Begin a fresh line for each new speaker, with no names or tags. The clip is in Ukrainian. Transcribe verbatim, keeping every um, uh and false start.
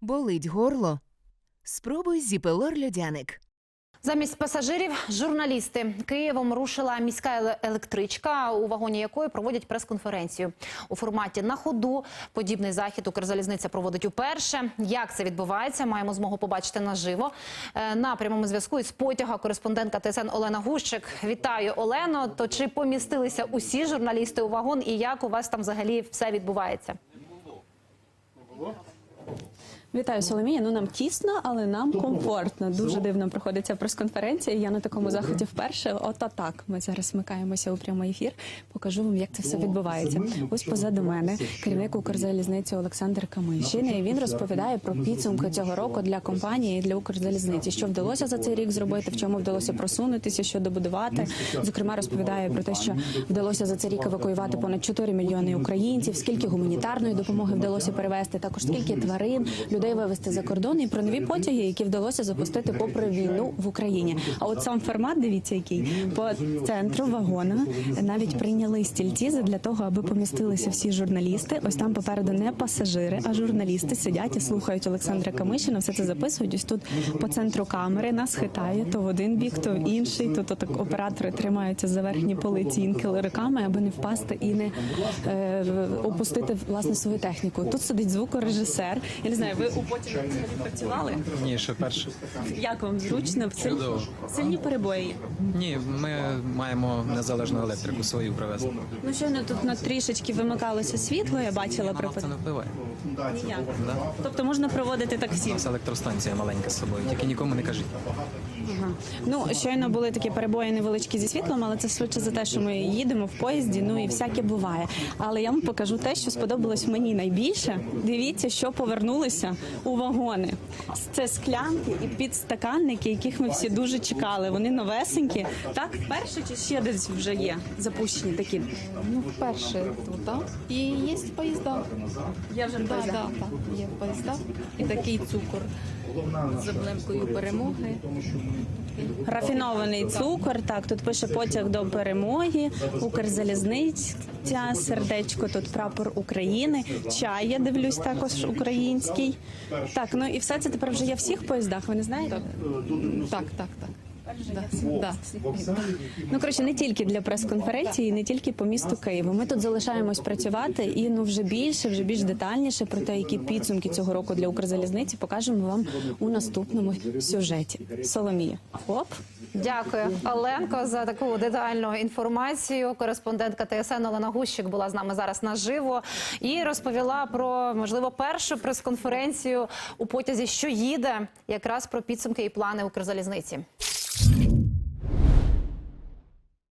Болить горло? Спробуй Зіпелор Льодяник.
Замість пасажирів – журналісти. Києвом рушила міська електричка, у вагоні якої проводять прес-конференцію. У форматі «На ходу» подібний захід Укрзалізниця проводить уперше. Як це відбувається, маємо змогу побачити наживо. На прямому зв'язку із потяга кореспондентка Т С Н Олена Гущик. Вітаю, Олено. То чи помістилися усі журналісти у вагон і як у вас там взагалі все відбувається?
Вітаю, Соломія. Ну, нам тісно, але нам комфортно. Дуже дивно проходиться прес-конференція. Я на такому заході вперше. Ото так. Ми зараз вмикаємося у прямий ефір. Покажу вам, як це все відбувається. Ось позаду мене керівник Укрзалізниці Олександр Камишин. І він розповідає про підсумки цього року для компанії і для Укрзалізниці. Що вдалося за цей рік зробити, в чому вдалося просунутися, що добудувати. Зокрема, розповідає про те, що вдалося за цей рік евакуювати понад чотири мільйони українців, скільки гуманітарної допомоги вдалося перевезти, також скільки тварин, людей вивезти за кордон і про нові потяги, які вдалося запустити попри війну в Україні. А от сам формат, дивіться який, по центру вагона навіть прийняли стільці для того, аби помістилися всі журналісти. Ось там попереду не пасажири, а журналісти сидять і слухають Олександра Камишина, все це записують. Ось тут по центру камери нас хитає то в один бік, то в інший. Тут отак оператори тримаються за верхні полиці інколи руками, аби не впасти і не е, опустити, власне, свою техніку. Тут сидить звукорежисер. Я не знаю, ви у потім працювали?
Ні, ще перше.
Як вам зручно? Сильні, сильні перебої?
Ні, ми маємо незалежну електрику свою привезти.
Ну, щойно тут на трішечки вимикалося світло, я бачила.
А нам це не впливає.
Ніяк.
Да?
Тобто можна проводити так
У
всім?
нас електростанція маленька з собою, тільки нікому не кажіть.
Ага. Ну, щойно були такі перебої невеличкі зі світлом, але це швидше за те, що ми їдемо в поїзді, ну і всяке буває. Але я вам покажу те, що сподобалось мені найбільше. Дивіться, що повернулися у вагони. Це склянки і підстаканники, яких ми всі дуже чекали. Вони новесенькі. Так, вперше чи ще десь вже є запущені такі?
Ну, вперше тут, так? І є поїзда.
Я вже
Так, так, так, є поїзда. І такий цукор з облемкою перемоги.
Рафінований цукор, так, тут пише потяг до перемоги, Укрзалізниця, сердечко, тут прапор України, чай, я дивлюсь, також український. Так, ну і все це тепер вже є в всіх поїздах, ви не знаєте?
Так, так, так. Да, да.
Ну, коротше, не тільки для прес-конференції, не тільки по місту Києву. Ми тут залишаємось працювати і ну вже більше, вже більш детальніше про те, які підсумки цього року для Укрзалізниці покажемо вам у наступному сюжеті. Соломія. Оп.
Дякую, Оленко, за таку детальну інформацію. Кореспондентка Т С Н Олена Гущик була з нами зараз наживо і розповіла про, можливо, першу прес-конференцію у потязі, що їде, якраз про підсумки і плани Укрзалізниці.